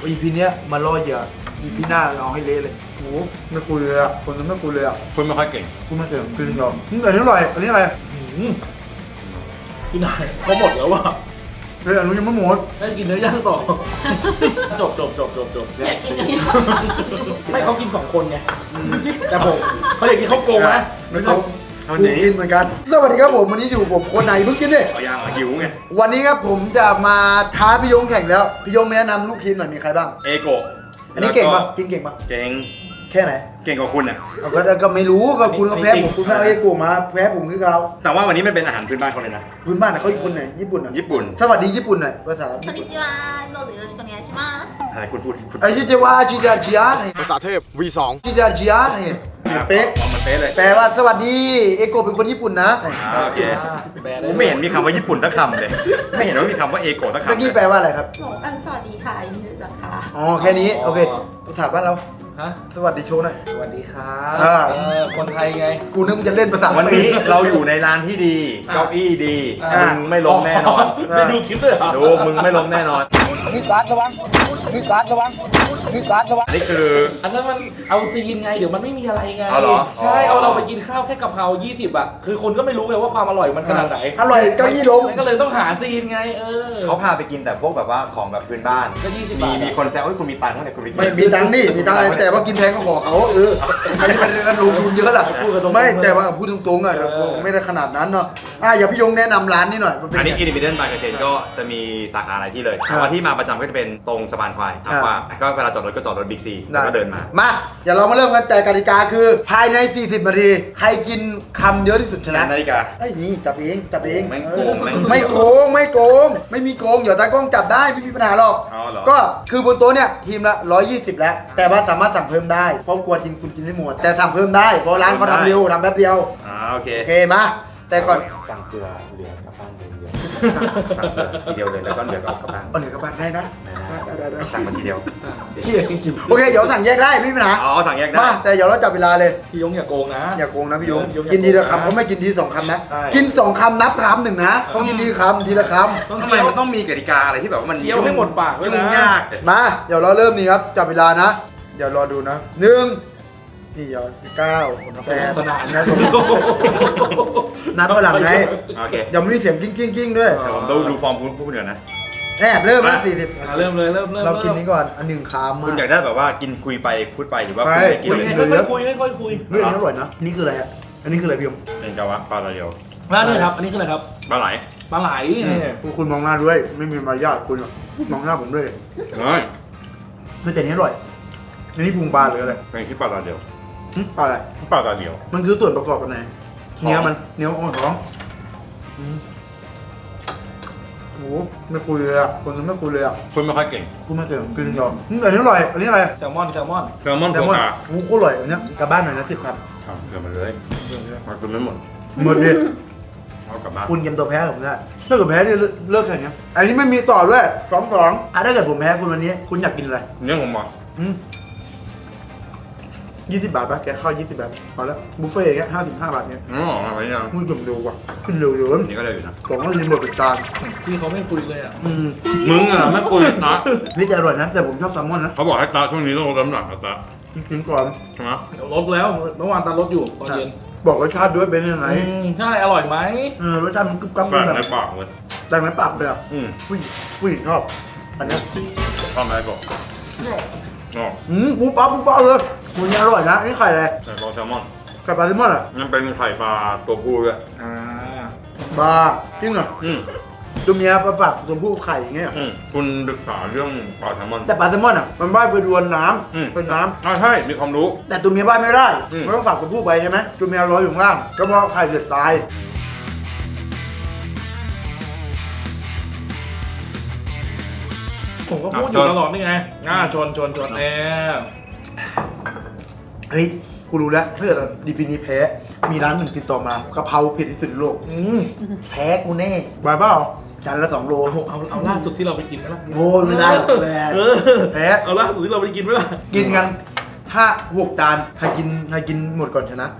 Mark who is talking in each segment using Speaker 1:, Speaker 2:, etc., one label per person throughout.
Speaker 1: อีพีเนี้ยมาล่อเหยื่ออีพีหน้าเอาให้เละเลยโอ้ไม่คุยเลยอ่ะคนนั้นไม่คุยเลยอ่ะ
Speaker 2: คุณไม่ค่อยเก่ง
Speaker 1: กูไม่เก่งกินยอมอันนี้อร่อยอันนี้อะไร
Speaker 3: พี่นายเขาหมดแล้วว่ะ
Speaker 1: เฮ้ยอันนู้นยังไม่หมด
Speaker 3: ได้กินเนื้อย่างต่อ จบไม่เขากิน2 คนไงแต่ผมเขาอยากกินข้าวโกงนะ
Speaker 1: ไม่ต้องกูกินเหมือนกันสวัสดีครับผมวันนี้อยู่ผมคนไหนเพิ่งกินดิ
Speaker 2: เอายางหิวไง
Speaker 1: วันนี้ครับผมจะมาท้าพี่ยงแข่งแล้วพี่ยงแนะนำลูกทีมหน่อยมีใครบ้าง
Speaker 2: เอโกะ
Speaker 1: อันนี้เก่งปะกินเก่งปะ
Speaker 2: เก่ง
Speaker 1: แค่ไหน
Speaker 2: เก่งกว่าคุณอ่ะ
Speaker 1: เอาก็ไม่รู้ก็คุณก็แพ้ผมคุณก็เอาไอ้กูมาแพ้ผมคือเขา
Speaker 2: แต่ว่าวันนี้มันเป็นอาหารพื้นบ้านเขาเลยนะ
Speaker 1: พื้นบ้านน่ะเขาคนไหนญี่ปุ่นอ่ะ
Speaker 2: ญี่ปุ่น
Speaker 1: สวัสดีญี่ปุ่นหน่อยภาษา
Speaker 4: こんにちは、どうぞよろしくお願いします。
Speaker 2: ใช่คุณพูดคุณ
Speaker 1: ไอ้ที่จะว่าจิดาจิยะนี่
Speaker 5: ภาษาเทพ V2
Speaker 1: จิดาจิยะนี่เป๊ะ
Speaker 2: เอามันเป๊ะเลย
Speaker 1: แปลว่าสวัสดีเอโกะเป็นคนญี่ปุ่นนะ
Speaker 2: โอเค
Speaker 3: แปลได้
Speaker 2: ผมไม่เห็นมีคำว่าญี่ปุ่นสักคำเลย ไม่เห็นว่ามีคำว่าเอโกะสักคำ
Speaker 1: เมื่อกี้แปลว่าอะไรครับ
Speaker 4: สวัสดีค่ะยินดีรู้จักค่ะ
Speaker 1: อ๋อแค่นี้โอเคภาษาบ้านเรา
Speaker 3: ฮะ
Speaker 1: สวัสดีโชว์หน่อย
Speaker 3: สวัสดีครับ
Speaker 1: อ่า
Speaker 3: คนไทยไง
Speaker 1: กูนึกมึงจะเล่นภาษา
Speaker 2: วันนี้เราอยู่ในร้านที่ดี เก้าอี้ดี มึงไม่ล้มแน่นอน
Speaker 3: ได้ดูคลิปด้วยเหรอ
Speaker 2: ดูมึงไม่ล้มแน่นอน
Speaker 1: มีการ์ดระวังมีการ์ดระวังมีการ์ดระวัง
Speaker 2: อันนี้คือ
Speaker 3: อันนั้นมันเอาซีนไงเดี๋ยวมันไม่มีอะไรไง
Speaker 2: เอาเหรอ
Speaker 3: ใช่เอาเราไปกินข้าวแค่กะเพรา20อ่ะคือคนก็ไม่รู้ไงว่าความอร่อยมันขนาดไหน
Speaker 1: อร่อยเก้าอี้ล้ม
Speaker 3: มันก็เลยต้องหาซีนไง
Speaker 2: เขาพาไปกินแต่พวกแบบว่าของแบบพื้นบ้าน
Speaker 3: ก็20
Speaker 2: มี
Speaker 3: บาท
Speaker 2: มีคนแซวเอ้ยคุณมีตังค์เนี่ยคุณไปกิน
Speaker 1: ไม่มีตังค์นี่มีตังค์อะไรแต่ว่ากินแพงก็ขอเขาอันนี้มันเรื่องลงทุนเยอะล่ะ
Speaker 3: พูดกันตรงๆ
Speaker 1: ไม่แต่ว่าพูดตรงๆอ่ะไม่ได้ขนาดนั้นเนาะอย่าพี่ยงแนะนำร้านนี้หน่อยมันเป็น
Speaker 2: อันนี้
Speaker 1: ไง
Speaker 2: อินดิเพนเดนต์บายกระเทนก็จะมีสาขาหลายที่เลยแต่ว่าที่มาประจำก็จะเป็นตรงสะพานควายอักว่าก็เวลาจอดรถก็จอดรถบิ๊กซีแล้วก็เดินมา
Speaker 1: มาเดี๋ยวเรามาเริ่มกันแต่กติกาคือภายใน40นาทีใครกินคำเยอะที่สุดชนะ
Speaker 2: นาฬิกา
Speaker 1: ไอ้นี่จับเองจับเอง
Speaker 2: แม่งโกงแม่ง
Speaker 1: ไม่โกงไม่โกงไม่มีโกงเดี๋ยวตากล้องจับได้ไม่มีปัญหาหรอก
Speaker 2: อ๋อเหรอ
Speaker 1: ก็คือบนโต๊ะเนี่ยทีมละ120แล้วแต่ว่าสามารถสั่งเพิ่มได้เพราะกลัวทีมคุณกินไม่หมดแต่สั่งเพิ่มได้เพราะร้านเขาทำเร็วทำแป๊บเดียว
Speaker 2: โอเค
Speaker 1: โอเคมาแต่ก่อน
Speaker 2: สั่งเกลือเหลือกลับบ้านเดียวสั่งเกลือทีเดียวเลยแล้วก็เหลือกลับบ้าน
Speaker 1: เอาเหนือกลับบ้านได้นะได้
Speaker 2: สั่งมาทีเดียว
Speaker 1: เฮียกินโอเคเดี๋ยวสั่งแยกได้ไม่มีปัญหา
Speaker 2: อ๋อสั่งแยกได้
Speaker 1: มาแต่เดี๋ยวเราจับเวลาเลย
Speaker 3: พี่ยงอย่าโกงนะ
Speaker 1: อย่าโกงนะพี่ยง
Speaker 3: พี่ยง
Speaker 1: กินทีละ
Speaker 3: อย่าโกงนะ
Speaker 1: คำเขาไม่กินทีสองคำนะ
Speaker 3: ใช่
Speaker 1: กิน2 คำนับคำหนึ่งนะต้องกินทีละคำทีละค
Speaker 3: ต้อง
Speaker 2: ทำไมมันต้องมีกติกาอะไรที่แบบว่ามัน
Speaker 3: เคี้ยวให้หมดปากด้วยนะ
Speaker 2: ยุ่งยาก
Speaker 1: ำมาเดี๋ยวเราเริ่มนี่ครับจับเวลานะ เดี๋ยวรอดูนะ1นี่เดี๋ยว9 8
Speaker 3: สนาน
Speaker 1: นะนับเท่าหลังไง
Speaker 2: โอเค
Speaker 1: เดี๋ยวไม่มีเสียงกิ้งกิ้งกิ้งด้วย
Speaker 2: เดี๋ยวผมดูฟอร์มคุณพูดเดี๋ยวนะ
Speaker 1: แอบเริ่มแล้ว
Speaker 3: เริ่มเลยเริ่ม
Speaker 1: 40เรากินนี้ก่อนอันหนึ่งคำมา
Speaker 2: คุณอยากได้แบบว่ากินคุยไปพูดไปหรือว่า
Speaker 1: ไป
Speaker 2: คุยไปกิน
Speaker 3: คุย
Speaker 2: เลย
Speaker 3: ไงค่อยคุย
Speaker 1: เรื่องนี้อร่อยนะนี่คืออะไรอ่ะอันนี้คืออะไรพี่ยง
Speaker 2: เป็นกาวะปลาตะเดียว
Speaker 3: ร้านนี้ครับอันนี้คืออะไรครับ
Speaker 2: ปลาไหล
Speaker 3: ปลาไหลนี่
Speaker 1: คุณมองหน้าด้วยไม่มีมารยาทคุณมองหน้าผมด้วย
Speaker 2: เฮ้ย
Speaker 1: ไม่แต่นี้อร่อยอันนี้พุงปลาหรืออะไร
Speaker 2: เป็นที่ปลาตะเดียว
Speaker 1: ปลาอะไร
Speaker 2: ปลาตะเดียว
Speaker 1: มันคือส่วนประกอบกันไหน
Speaker 2: ท้อง
Speaker 1: เนื้อมันเนื้ออ่อนท้องโอ้โหไม่คุยเลยอ่ะคนนึงไม่คุยเลยอ่ะ
Speaker 2: คุณไม่ค่อยเก่ง
Speaker 1: กูไม่เคยกินยอมอันนี้อร่อยอันนี้อะไร
Speaker 3: แซลมอน
Speaker 2: แซลมอน
Speaker 1: แต่
Speaker 2: โฟ
Speaker 1: ว่า
Speaker 2: กัส
Speaker 1: โอ้โหอร่อยอันเนี้ยกลับบ้านหน่อยนะ10 ครับ
Speaker 2: เสือมาเลยมาคุณไม่หมด
Speaker 1: หมดดิ
Speaker 2: เอากลับบ้าน
Speaker 1: คุณเกมตัวแพ้ผมได้ถ้าเกิดแพ้นี่เลิกแข่งเนี้ยอันนี้ไม่มีต่อด้วย2-2ถ้าเกิดผมแพ้คุณวันนี้คุณอยากกินอะไร
Speaker 2: เนี่ยผมบอก
Speaker 1: 20 บาทป่ะแกเข้า20 บาทพอแล้วบุฟเฟ่ต์อย่างเงี้ย55 บาทเนี้ย
Speaker 2: อ๋ออะไรยัง
Speaker 1: มึงจมเร็วว่ะขึ้นเร็วเยอะ
Speaker 2: นี่ก็เลยอยู่นะ
Speaker 1: ผมก็รีโมทเป็นจาน
Speaker 3: พี่เขาไม่คุยเลยอ่ะ
Speaker 2: มึงอ่ะไม่คุยนะ
Speaker 1: นี่จะอร่อยนะแต่ผมชอบแซลมอนนะ
Speaker 2: เขาบอกให้ตาช่วงนี้ต้องลดน้ำหนักนะตา
Speaker 1: กินก่อน
Speaker 2: ใช่ไหม
Speaker 3: ลดแล้วเมื่อวานตาลดอยู่ตอนเย็น
Speaker 1: บอกรสชาติด้วยเป็นยังไง
Speaker 3: ใช่อร่อยไหม
Speaker 1: รสชาติมันกรึบกรับ
Speaker 2: แปลก
Speaker 1: แบบ
Speaker 2: ในปากเลย
Speaker 1: แต่งในปากเลยอ่ะผู้หญิงชอบอันเนี้ย
Speaker 2: ทำอะไรบอกอ๋อ
Speaker 1: ปุ๊บปั๊บเลยมันอร่อยนะนี่ไข่อะไร
Speaker 2: ใส่ปลาแซลมอน
Speaker 1: ไข่ปลาแซลมอนอ่ะ
Speaker 2: ยังเป็นไข่ปลาตัวผู้ด้วย
Speaker 1: บาจริงเหรอตัวเมียมาฝากตัวผู้ไข่อย่างเงี้ย
Speaker 2: คุณศึกษาเรื่องปลาแซลมอน
Speaker 1: แต่ปลาแซลมอนอ่ะมันว่ายไปดวนน้ำเป็นน้
Speaker 2: ใช่มีความรู้
Speaker 1: ำแต่ตัวเมียว่ายไม่ได้มันต้องฝากตัวผู้ไปใช่ไหมตัวเมียลอยอยู่ข้างล่างก็เพราะไข่เดือดตาย
Speaker 3: ผมก็พูดอยู่ตลอดนี่ไงชนแน่
Speaker 1: เฮ้ยกูรู้แล้วถ้าเกิดดีพีนี้แพ้มีร้านหนึ่งติดต่omากะเพราเผ็ดที่สุดในโลกแพ้กูแน่บายเปล่าจานละ2 โล
Speaker 3: เอาล่าสุดที่เราไปกินไหมล่ะ
Speaker 1: โอ้ไม่ได้แพ้แพ้
Speaker 3: เอาล่าสุดที่เราไปกินไหมล่ะ
Speaker 1: กินกัน5-6 จานใครกินหมดก่อนชนะ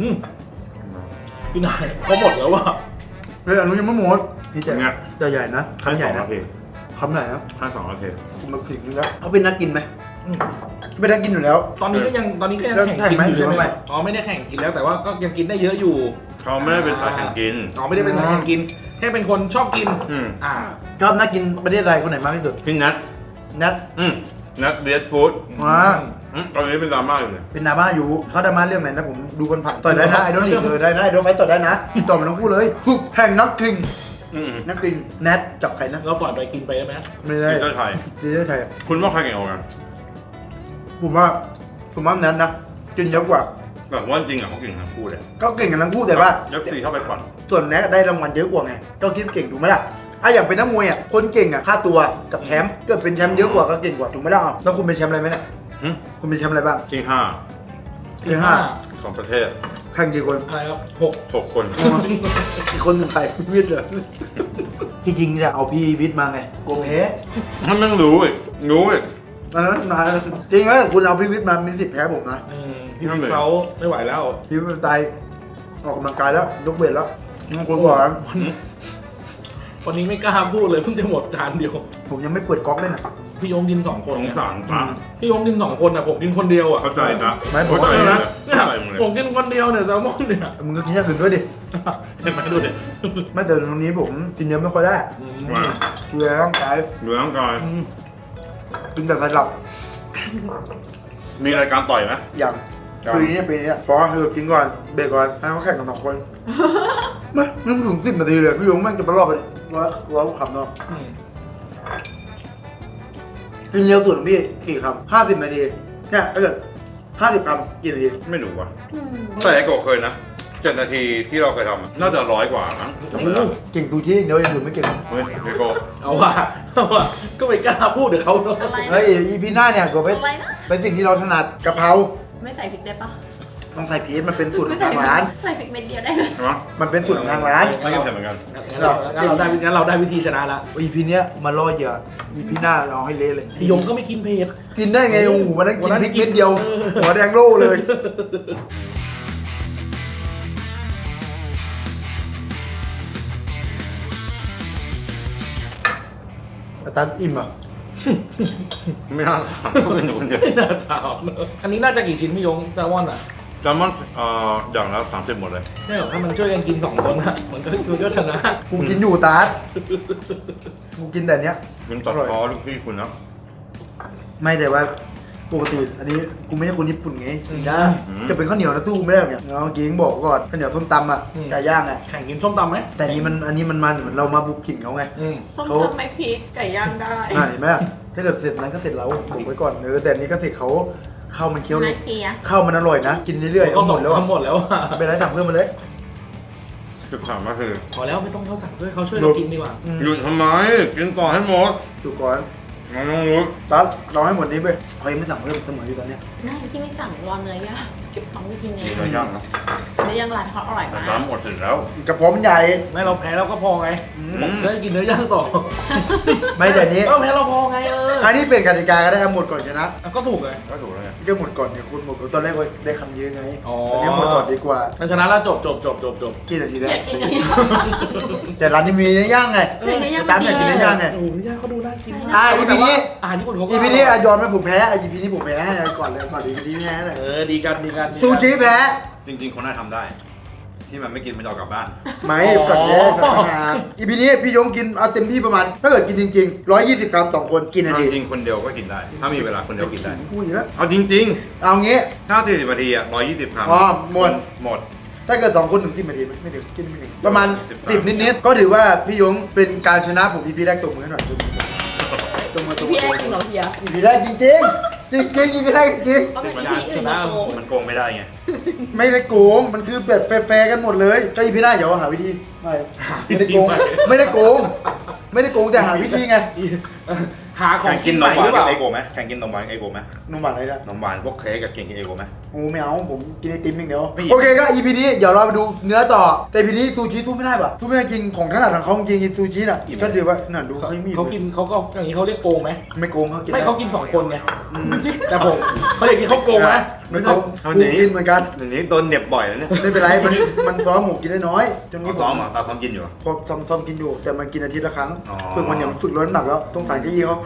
Speaker 3: พี่นายเขาหมดแล้วว่ะ
Speaker 1: เฮ้ยอันนู้นยังไม่หมดนี่แต่ใหญ่นะคำใหญ่นะคำใหญ่นะ
Speaker 2: ให้2 นาที
Speaker 1: กูมาขิงนึงแล้วเขาเป็นนักกินไหม
Speaker 3: อืม
Speaker 1: เป็นนักกินอยู่แล้ว
Speaker 3: ตอนนี้ก็ยังแข่งกินอยู่ใช่ไหมอ๋อไม่ได้แข่งกินแล้วแต่ว่าก็ยังกินได้เยอะอยู่
Speaker 2: เขาไม่ได้เป็นสายแข่งกิน
Speaker 3: อ๋อไม่ได้เป็นสายแข่งกินแค่เป็นคนชอบกิน
Speaker 2: อืม
Speaker 1: ชอบนักกินประเทศไทยคนไหนมากที่สุด
Speaker 2: พี่นัท
Speaker 1: นัท
Speaker 2: นัทเดสฟู้ด ตอนนี้เป็นดราม่าอยู่เนี่ย
Speaker 1: เป็นดราม่าอยู่เขาดราม่าเรื่องไหนนะผมดูผ่านๆต่อยได้นะไอดอลลีกเลยได้นะไอดอลไฟต่อยได้นะติดต่อมาทั้งคู่เลยฝึกแห่งนักกิน
Speaker 2: อืม
Speaker 1: นักกินแนทกับใครนะ
Speaker 3: เราปล่อยไปกินไปได้ไหม
Speaker 1: ไม่ได้
Speaker 2: ทีมชาติไทย
Speaker 1: ดีได้ไทย
Speaker 2: คุณว่าใครเก่งกว่ากัน
Speaker 1: ผมว่าแนทนะกินเยอะกว่า
Speaker 2: แบบว่าจริงอ่ะเขาเก่งทั้งคู่เลย
Speaker 1: ก็เก่งกันทั้งคู่แต่ว่า
Speaker 2: ยกตีเข้าไปก่อน
Speaker 1: ส่วนแนทได้รางวัลเยอะกว่าไงก็คิดเก่งถูกไหมล่ะอย่างเป็นนักมวยคนเก่งค่าตัวกับแชมป์เกิดเป็นแชมป์เยอะกว่าก็เก่งกว่าถูกไหมล่ะแล้วคุณเป็นแชมป์อะไรไหมเนี่ยคุณเป็นแชมป์อะไรบ้าง
Speaker 2: ที่
Speaker 1: ที่ห้า
Speaker 2: 5ของประเทศ
Speaker 1: แข่งกี่คน
Speaker 3: อะไรครับ
Speaker 2: 6 คน
Speaker 1: อีกคนหนึ่งใครวิทย์เหรอที่จริงจะเอาพี่วิทย์มาไงกลัวแพ้
Speaker 2: ถ้าไม่รู้อีกรู้อีก
Speaker 1: อันนั้นมาจริงๆคุณเอาพี่วิทย์มามีสิทธิ์แพ้ผมนะ
Speaker 3: พี่เขาไม่ไหวแล้ว
Speaker 1: พี่วิทย์ตายออกกำลังกายแล้วยกเวทแล้วมึงควรบอกนะ
Speaker 3: วันนี้ไม่กล้าพูดเลยเพิ่งจะหมดจานเดียว
Speaker 1: ผมยังไม่เปิดก๊อกเลยนะ
Speaker 3: พี่ยงกิน2 คน
Speaker 2: สง
Speaker 3: เนี่ย
Speaker 2: สารตา
Speaker 3: พี่ยงกิน2 คนอ่ะผมกินคนเดียวอ่ะ
Speaker 2: เข้าใจนะ
Speaker 1: ไม่ผม
Speaker 2: เข้าใจ
Speaker 3: นะ
Speaker 2: เลยเข้าใจมึงเลย
Speaker 3: ผมกินคนเดียวเนี่ยแซลมอนเนี่ย
Speaker 1: มึงก็กินอย่างอื่นด้วยดิ
Speaker 3: เห็นไหมดูดิ
Speaker 1: ไม่แต่ตรงนี้ผมกินเยอะไม่ค่อยได้
Speaker 2: ว่า
Speaker 1: เกลือร่างกาย
Speaker 2: ดูร่างกาย
Speaker 1: กินแต่สลับ
Speaker 2: มีรายการต่อยไหม
Speaker 1: อย่าง
Speaker 2: ครับ
Speaker 1: ปีนี้พอกินก่อนเบรกก่อนให้เขาแข่งกัน2 คนไม่ถึง10 นาทีเลยพี่ยงแม่งจะไปรอบไปร้อยคำเนาะ กินเร็วสุดของพี่กี่คำ50 นาทีเนี่ยถ้าเกิด50 คำกี่นาที
Speaker 2: ไม่รู้ว่ะแต่ไอ้โกเคยนะ7 นาทีที่เราเคยทำอะน่าจะ100 กว่ามั้งจำไม่ได้
Speaker 1: เก่งตูชี้อย่างเดียวอย่างอื่นไม่เก่ง
Speaker 2: เฮ้ยไอ้โก
Speaker 3: เอาว่ะก็ไม่กล้าพูดเดี๋ยวเขาเนาะ
Speaker 4: อะไร
Speaker 1: เฮ้ยอีพีหน้าเนี่ยก็เป็น
Speaker 4: อะไรนะ
Speaker 1: เป็นสิ่งที่เราถนัดกะเพรา
Speaker 4: ไม่ใส่พริกได้ปะ
Speaker 1: ต้องใส่พริกมันเป็นสูตรข
Speaker 4: ไม่
Speaker 1: อง
Speaker 4: ใส่
Speaker 1: ทางร้าน
Speaker 4: ใส่พริกเม็ดเดียวได้ไหม
Speaker 2: ใช่ไหม
Speaker 1: มันเป็นสูตรของทางร้าน
Speaker 2: ไม่กินเสร็จเหมือนกัน
Speaker 3: งั้นเราได้วิธีชนะละ
Speaker 1: อีพีเนี้ยมาล่อเหยื่ออีพีหน้าเอาให้เละเลย
Speaker 3: พี่ยงก็ไม่กินเผ็ด
Speaker 1: กินได้ไงโอ้โหวันนั้นกินพริกเม็ดเดียว หัวแดงโล่เลยอาจารย์อิ่มอ่ะ
Speaker 2: ไม่น่าถามก็เป็นอยู่คนเดียว
Speaker 3: ไม่น่าถามเนอะอันนี้น่าจะกี่ชิ้นพี่ยงแซลมอนอ่ะ
Speaker 2: แซลมอนอย่างละ30 หมดเลย
Speaker 3: ไม่หรอกถ้ามันช่วยกันกิน2 คนอะมันก็ชนะ
Speaker 1: กูกินอยู่ตาร์ทกูกินแต่เนี้ย
Speaker 2: มันตัดคอลูกพี่คุณนะ
Speaker 1: ไม่แต่ว่าปกติอันนี้กูไม่ใช่คนญี่ปุ่นไงย่างจะเป็นข้าวเหนียวนะสู้ไม่ได้หรอกเนี่ยเอาจริงบอกก่อนข้าวเหนียวส้มตำอ่ะไก่ย่างอ่ะ
Speaker 3: แข่งกินส้มตำไหม
Speaker 1: แต่อันนี้มันเหมือนเรามาบุกถิ่นเขาไง
Speaker 4: ส้ม
Speaker 1: เขา
Speaker 4: ตำไม่พริกไก่ย่างได้
Speaker 1: เห็นไหมล่ะถ้าเกิดเสร็จนั้นก็เสร็จแล้วบุกไว้ก่อนแต่อันนี้ก็เสร็จเขาข้าวมันเคี้ยว
Speaker 4: นาทีอะ
Speaker 1: ข้าวมันอร่อยนะ กินเรื่อยๆ
Speaker 3: เขา
Speaker 1: เอาหมดแล้วอะ
Speaker 3: หมดแล้วอะ
Speaker 1: เป็นไรสั่งเพิ่มมาเลย
Speaker 2: จุดถามก็คือ
Speaker 3: พอแล้วไม่ต้องเขาสั่งด้วยเขาช่วยเรากินดีกว่า
Speaker 2: หยุดทำไมกินต่อให้หมด
Speaker 1: ดูก่อน
Speaker 2: มันต้องรู้
Speaker 1: ตัดรอให้หมดนี้ไปเขายังไม่สั่งเพิ่มเสมออยู่ตอนเนี้ย
Speaker 4: น่าที่ไม่สั่งรอเนื้อย่างเก็บของไม่กินเอ
Speaker 2: มี
Speaker 4: ง
Speaker 2: อะไรย่างนะ
Speaker 4: เนื้อย่างร้านเขาอร่อย
Speaker 2: แต่
Speaker 4: มาก
Speaker 2: น้ำหมดเสร็จแล้ว
Speaker 1: กระเพาะมันใหญ่
Speaker 3: ไม่เราแพ้เราก็พอไงผมจะได้กินเนื้อย่างต่อ
Speaker 1: ไม่แต่อันนี้
Speaker 3: เราแพ้เราพอไง
Speaker 1: อันนี้เป็นกติกาก็ได้เอาหมดก่อนชนะ
Speaker 3: ก็ถูกไง
Speaker 2: ก็ถูกแล้วไง
Speaker 1: ก็หมดก่อนเนี่ยคุณหมดตอนแรกว่าได้คำเยอะไง
Speaker 3: อ๋อ
Speaker 1: ตอนนี้หมดก่อนดีกว่า
Speaker 3: ถ้าชนะแล้วจบ
Speaker 1: กี่นาทีแล้ว
Speaker 4: อยากกินเนื้อย่าง
Speaker 1: แต่ร้านนี้มีเนื้อย่างไง
Speaker 4: ใช่เนื้อย่าง
Speaker 1: ตามอยากกินเนื้อย่างไง
Speaker 3: โอ้โหเนื้อย่างเขาดูน่ากินมาก
Speaker 1: อีพีนี้
Speaker 3: อาหารญี่ปุ่นเขาก็
Speaker 1: อีพีนี้ยอมไหมผมแพ้อีพีนี้ผมแพ้ให้ก่อนเลยก่อนอีพีนี้แพ้เลย
Speaker 3: ดีกัน
Speaker 1: ซูชิแพ้
Speaker 2: จริงๆคนน่าทำได้ ที่มันไม่กินมันจะเอากลับบ้าน
Speaker 1: ไม่สัตว์เนี่ยสัตว์ทหารอีพีนี้พี่ยงกินเอาเต็มที่ประมาณ ถ้าเกิดกินจริงๆ120 กรัม2 คนกินนาที
Speaker 2: จริงๆคนเดียวก็กินได้ ถ้ามีเวลาคนเดียวกินได้
Speaker 1: กูอีกแล้ว
Speaker 2: เอาจริง
Speaker 1: เอางี้
Speaker 2: ๆ ถ้า40 นาทีอ่ะ120 กรัม
Speaker 1: อ๋อหมด
Speaker 2: หมด
Speaker 1: ถ้าเกิด2 คนถึง10 นาทีไหมไม่ถึงกินไม่ถึงประมาณ
Speaker 2: 10
Speaker 1: 10 นิดๆก็ถือว่าพี่ยงเป็นการชนะผมอีพีแรกตบมือให้หน่อยตบมือ
Speaker 4: พี่แอนกินเหรอเฮีย
Speaker 1: อีพีแรกจริงๆอีพีแรกจริง
Speaker 4: ก็เป็นพี่อื่นมาโกง
Speaker 2: มันโกงไม่ได้ไง
Speaker 1: ไม่ได้โกงมันคือแบบแฟร์ๆกันหมดเลยก็อีพีหน้าเดี๋ยวหาวิธีไม่ได้โกงไม่ได้โกงไม่ได้โกงแต่หาวิธีไง
Speaker 3: หาของ
Speaker 2: แข่งกินนมหวานกับเอโกไหมแข่งกินนมหวานกับเอโกไหม
Speaker 1: นมหวานอะไรนะ
Speaker 2: นมหวานพวกเค้กกับกินเอโกไหม
Speaker 1: โอ้ไม่เอาผมกินไอติมอย่างเดียว
Speaker 2: ไม่
Speaker 1: โอเคก็ EP นี้เดี๋ยวเราไปดูเนื้อต่อแต่ EP นี้ซูชิสู้ไม่ได้ป่ะสู้ไม่ได้จริงของถนัดของเขาจริงซูชิน่ะก็ถือว่านั่นดูเขามี
Speaker 3: เขากินเขาก็อย่างนี้เขาเรียกโกงไหม
Speaker 1: ไม่โกงเขากิน
Speaker 3: ไม่เขากิน2 คนไงแต่ผมเขาอย่างนี้เขาโกงไหม
Speaker 1: ไม่โกงกูกินเหมือนกัน
Speaker 2: เดี๋ยวนี้โดนเหน็บบ่อยแล้วเนี่ย
Speaker 1: ไม่เป็นไรมันซ้อมหมูกินได้น้อยจนนี้
Speaker 2: ซ้อมเหรอตาซ้อมกินอยู่เหรอ
Speaker 1: พอซ้อมกินอยู่แต่มันกินอาทิตย์ละครั้ง
Speaker 2: อ๋อ
Speaker 1: ฝึกมันอย่างฝึกลดน้ำหนักแล้วต้องสั่งเก้าอี้เขา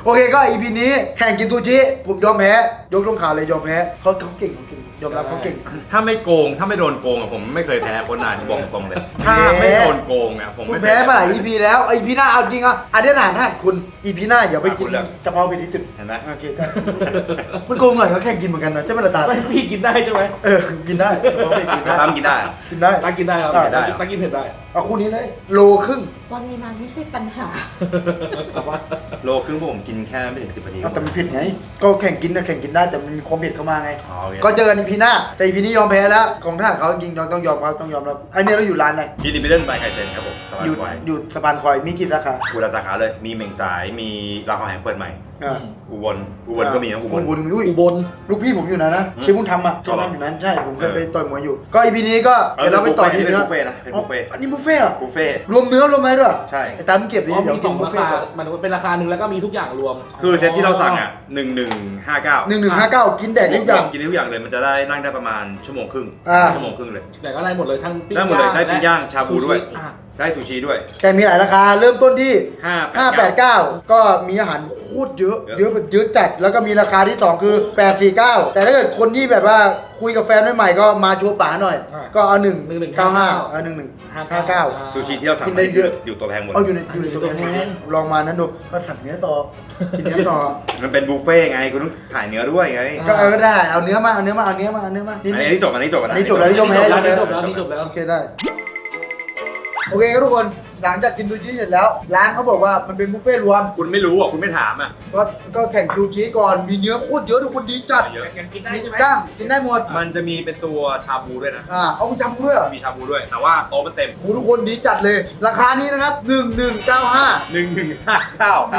Speaker 1: โอเคก็ EP นี้แข่งกินซูชิผมยอมแพ้ยกตรงขาเลยยอมแพ้เขาเก่งยอมรับเขาเก่ง
Speaker 2: ถ้าไม่โกงถ้าไม่โดนโกงอะผมไม่เคยแพ้คนนานบอกตรงเลย ถ้าไม่โดนโกงอะผม
Speaker 1: คุณ
Speaker 2: ไม่เคย
Speaker 1: แพ้มาหลาย EP แล้ว EP หน้าเอาจริงอ่ะอันนี้ฐานคุณ EP หน้าอย่าไปกิน
Speaker 2: คุณเลือก
Speaker 1: กะเพราไปที่10
Speaker 2: เห็นไหม
Speaker 1: โอเคก็มันโกงหน่อยเขาแข่งกินเหมือนกันนะใช่ไหมล่ะตา
Speaker 3: ไม่พี่กินได้ใช่ไหม
Speaker 1: กินได้กะเพราไปกินได้
Speaker 2: ตามกินได้
Speaker 1: กินได้
Speaker 3: ตั้งกินได้ครับ
Speaker 2: ได้
Speaker 3: ตั้งกินเผ็ดได้
Speaker 1: เอาคู่นี้เลยโลครึ่ง
Speaker 4: ปริมาณไม่ใช่ปัญหา
Speaker 2: โลครึ่งพวกผมกินแค่ไม่ถึง10 นาที
Speaker 1: เอาแต่มันผิดไงก็แข่งกินนะแข่งกินได้แต่มันมีความผิดเข้ามาไง
Speaker 2: อ๋อโอเค
Speaker 1: ก็เจอกัน EP หน้าแต่ EP นี้ยอมแพ้แล้วของทหารเขาจริงๆต้องยอมเขาต้องยอมรับอันนี้เราอยู่ร้านอะไร
Speaker 2: กินดิมิเดิลไปไคเซนครับผมสบาย
Speaker 1: อยู่
Speaker 2: ไว
Speaker 1: อยู่สะพานคอยมีกี่สาขา
Speaker 2: กูรัสาขาเลยมีเหม่งจ่ายมีรามคำแหงเปิดใหม่
Speaker 1: อ่า
Speaker 2: อุบลก็มีนะอุบล
Speaker 1: อุบลอุ้ย
Speaker 3: อุบล
Speaker 1: ลูกพี่ผมอยู่นะ
Speaker 2: อืม
Speaker 1: ชื่อบุญธรรมอ่ะ
Speaker 2: อ๋อ
Speaker 1: ชื่อ
Speaker 2: เหรอ
Speaker 1: บ้านอยู่นั้นใช่ผมเคย
Speaker 2: เออ
Speaker 1: ไปต่อยมวยอยู่ ก็ EP นี้ก็เดี๋ยวเราไปต่อที่
Speaker 2: เป็น
Speaker 1: เนื้อ
Speaker 2: บุฟเฟ่ต์นะเป็นบุฟเฟ่ต์
Speaker 1: อันนี้บุฟเฟ่ต์เหรอ
Speaker 2: บุฟเฟ่ต์
Speaker 1: รวมเนื้อรวมอะไรด้วย
Speaker 2: ใช่
Speaker 1: ไอ้ตามเก็บดิ
Speaker 3: อ๋อ
Speaker 1: เดี๋ยว
Speaker 3: มี
Speaker 1: กิ
Speaker 3: ส
Speaker 1: น
Speaker 3: อง
Speaker 1: บุฟ
Speaker 3: รา
Speaker 1: เฟ่
Speaker 3: คา
Speaker 1: ต์ก่อน
Speaker 3: มันเป็นราคาหนึ่งแล้วก็มีทุกอย่างรวม
Speaker 2: คือเซตที่เราสั่งอ่ะ1159
Speaker 1: 1159กินแดดทุกอย่าง
Speaker 2: กินได้ทุกอย่างเลยมันจะได้นั่งได้ประมาณชั่วโมงครึ่ง
Speaker 1: อ่า
Speaker 2: ชั่วโมงครึ่งเลย
Speaker 3: แต่ก็ได้หมดเลยทั้งปิ้ง
Speaker 2: ได้หมดเลยได้ปิ้งย่างชาบูด้วย
Speaker 3: ซูชิอ่ะ
Speaker 2: ได้ซูชิด้วย
Speaker 1: แต่มีหลายราคาเริ่มต้นที่
Speaker 2: 589
Speaker 1: ก็มีอาหารโคตรเยอะ
Speaker 2: เยอะ
Speaker 1: เยอะแบบเยอะจัดแล้วก็มีราคาที่ 2 คือ 849 แต่ถ้าเกิดคนที่แบบว่าคุยกับแฟนใหม่ๆก็มาโชว์ป๋าหน่อย ก็เอา195เอา1159
Speaker 2: ซูชิที่เราสั่ง
Speaker 1: กินได้เยอะ
Speaker 2: อยู่ตัวแพงหมด
Speaker 1: เอาอยู่ในตัวแพงลองมานั้นดูก็สั่งเนื้อต่อกินเนื้อต่อ
Speaker 2: มันเป็นบุฟเฟ่ต์ไงคุณต้องถ่ายเนื้อด้วยไง
Speaker 1: ก็ได้เอาเนื้อมาเอาเนื้อมานี่
Speaker 2: อันนี้จบอันนี้จบ
Speaker 1: อันนี้จบแล้ว ยอมแพ้
Speaker 3: อันนี้จบแล้วอันนี้จบแล้ว
Speaker 1: โอเคได้โอเคครับทุกคนหลังจากกินซูชิเสร็จแล้ว ร้านเขาบอกว่ามันเป็นบุฟเฟ่ต์รวม
Speaker 2: คุณไม่รู้อ่ะคุณไม่ถามอ่ะ
Speaker 1: ก็แข่งซูชิก่อนมีเนื้อโคตรเยอะทุกคนดีจัด
Speaker 2: เยอะ
Speaker 3: ยังกินได้
Speaker 1: มี
Speaker 3: ใช่ไหม
Speaker 1: กล้างกินได้หมด
Speaker 2: มันจะมีเป็นตัวชาบูด้วยนะ
Speaker 1: เอาไปจำกูด้วยเหรอ
Speaker 2: มีชาบูด้วย แต่ว่าโต๊ะมันเต็ม
Speaker 1: โหทุกคนดีจัดเลย ราคานี้นะครับ1195
Speaker 2: 1159ครับ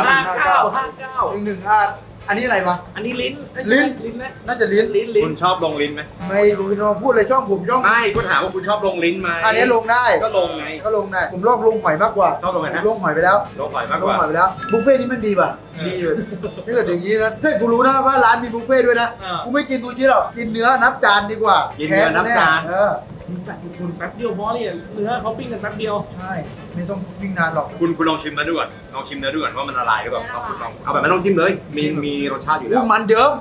Speaker 1: 11อันนี้อะไรวะ
Speaker 3: อันนี้ลิ้น
Speaker 1: ลิ้น
Speaker 3: ลิ้นไหม
Speaker 1: น่าจะลิ้น
Speaker 3: ลิ้นลิ้
Speaker 2: คุ
Speaker 3: น
Speaker 2: ณชอบลงลิ้นไหม
Speaker 1: ไม่รู้จะมาพูดอะไรช่องผมช่อง
Speaker 2: ไม่คุณถามว่าคุณชอบลงลิ้นไหม
Speaker 1: อันนี้ลงได้
Speaker 2: ก็ลงไง
Speaker 1: ก็ลงได้ผมลองลงหอยมากกว่า
Speaker 2: ชอบลงไง
Speaker 1: ผม
Speaker 2: นะ
Speaker 1: ลงหอยไปแล้ว
Speaker 2: ลงหอยมาก
Speaker 1: ล
Speaker 2: ก
Speaker 1: ง
Speaker 2: ว่า
Speaker 1: หอยไปแล้วบุฟเฟ่ต์นี้มันดีป่ะดีเลยถ้าเกิดอย่างนี้นะถ้ากูรู้นะว่าร้านมีบุฟเฟ่ต์ด้วยนะกูไม่กินซูชิหรอกกินเนื้อนับจานดีกว่า
Speaker 2: กินเนื้อนับจาน
Speaker 1: ดีจัดทุกคน
Speaker 3: แป๊บเดียวเพราะเนี่ยเนื้อเขาปิ้งกันแป๊บเดียว
Speaker 1: ใช่ไม่ต้องวิ่งนานหรอก
Speaker 2: คุณลองชิมเนื้อดูก่อนลองชิมเนื้อดูก่อนว่ามันละลายหรือเปล่าเอาแบบไม่ต้องชิมเลย มีรสชาติอยู่แล้
Speaker 1: อู้
Speaker 2: ว
Speaker 1: มันเยอะ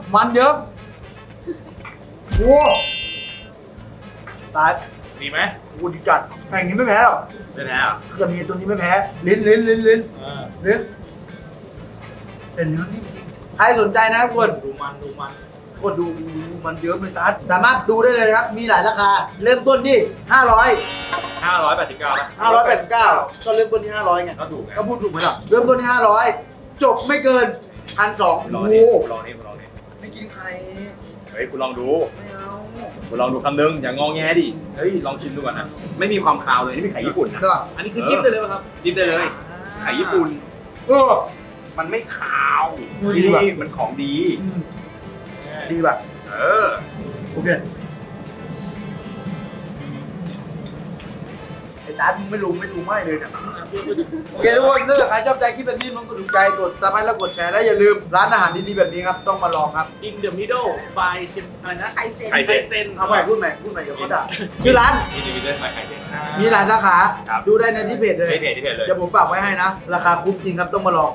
Speaker 1: โว้ตาย
Speaker 3: ดีไหม
Speaker 1: กูดีจัดแข่งนี้ไม่แพ้หรอก
Speaker 2: ไม่แพ้อ่ะ
Speaker 1: จะมีตัวนี้ไม่แพ้ลิ้นเห็นเนื้อนี่จริงใครสนใจนะครับทุกคน
Speaker 3: ดูมันดูมัน
Speaker 1: กดดูมันเยอะเลยตัดสามารถดูได้เลยนะครับ มีหลายราคา เริ่มต้นที่500
Speaker 2: 589นะ
Speaker 1: 589ก็เริ่มต้นที่500ไง
Speaker 2: ก็ถูกไง
Speaker 1: ก็พูดถูกไหมล่ะเริ่มต้นที่500จบไม่เกิน1,200
Speaker 2: ลอง
Speaker 1: โอ้
Speaker 2: นี่
Speaker 1: โห
Speaker 2: ลองนี่ลองนี่
Speaker 1: ไม่กินใคร
Speaker 2: เฮ้ยคุณลองดู
Speaker 1: ไม่เอา
Speaker 2: คุณลองดูคำนึงอย่างงอแงดิเฮ้ยลองชิมดูก่อนนะไม่มีความคาวเลยนี่เป็นไข่ญี่ปุ่นนะ
Speaker 1: ก็
Speaker 3: อันนี้คือจิ้มได้เลยป่ะครับ
Speaker 2: จิ้มได้เลยไข่ญี่ปุ่น
Speaker 1: เออ
Speaker 2: มันไม่คาว
Speaker 1: ดีว่ะ
Speaker 2: มันของดี
Speaker 1: ดีป่ะ
Speaker 2: เออ
Speaker 1: โอเคไอ้ตามึงไม่รู้ไม่เลยเนี่ย โอเคทุกคนถ้าเกิดใครชอบใจคลิปแบบนี้มันกดถูกใจกดซับให้แล้วกดแชร์และอย่าลืมร้านอาหารดีๆแบบนี้ครับต้องมาลองครับ
Speaker 3: In the middle by อะไรนะ
Speaker 4: ไข่เซ็น
Speaker 2: ไข่
Speaker 3: ไคเซน
Speaker 1: เอาใหม่พูดใหม่เดี๋ยวเขาด่าชื่อร้าน
Speaker 2: อินดิวิเดนไข่เค็ม
Speaker 1: มีหลายสาขา
Speaker 2: ครับ
Speaker 1: ดูได้ในที่เพจเลย
Speaker 2: ที่เพจเลย
Speaker 1: เดี๋ยวผมฝากไว้ให้นะ ราคาคุ้มจริงครับต้องมาลอง